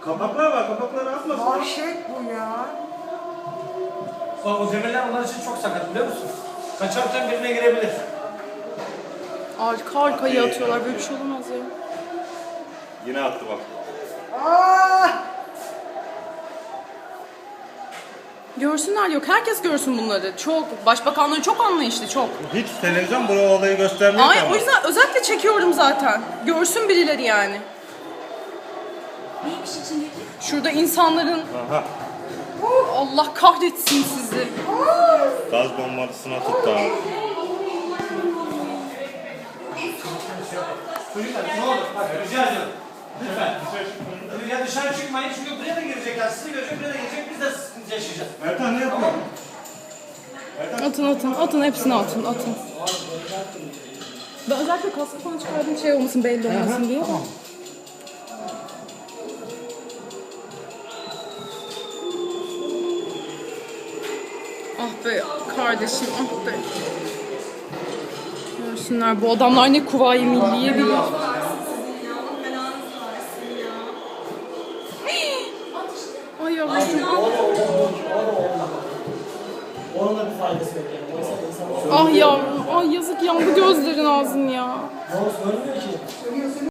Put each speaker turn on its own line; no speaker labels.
Kapaklar var, kapakları atmasın.
Vahşet bu ya.
Bak o demirler onlar için çok sakat biliyor musun? Kaçarken birine girebilir.
Arka arkaya atıyorlar. Böyle bir şey olamaz ya.
Yine attı bak.
Aa!
Görsünler yok. Herkes görsün bunları. Çok. Başbakanları çok anlayışlı. Çok.
Hiç televizyon bu olayı göstermiyor ki
Ay
ama.
o yüzden özellikle çekiyorum zaten. Görsün birileri yani.
Neymiş içindeki?
Şurada insanların...
Aha.
Allah kahretsin sizi.
Gaz bombasına tuttu abi.
Çocuklar ne olur bak rica ediyorum. Lütfen. Ya dışarı çıkmayın çünkü buraya da girecekler. Sizi görecek, buraya da girecek. Biz de sıkıntı yaşayacağız.
Ertan ne yapıyor?
Atın hepsini atın. Ben özellikle kaskı falan çıkardım şey olmasın belli olmasın diye. Ah be kardeşim ah be. Görsünler bu adamlar ne Kuvayi Milliye bilir. Ay yavrum.
Onun da bir faydası yok yani. Oysa insan
Ah yavrum. Ay yazık yandı gözlerin ağzın ya.
görmüyor ki.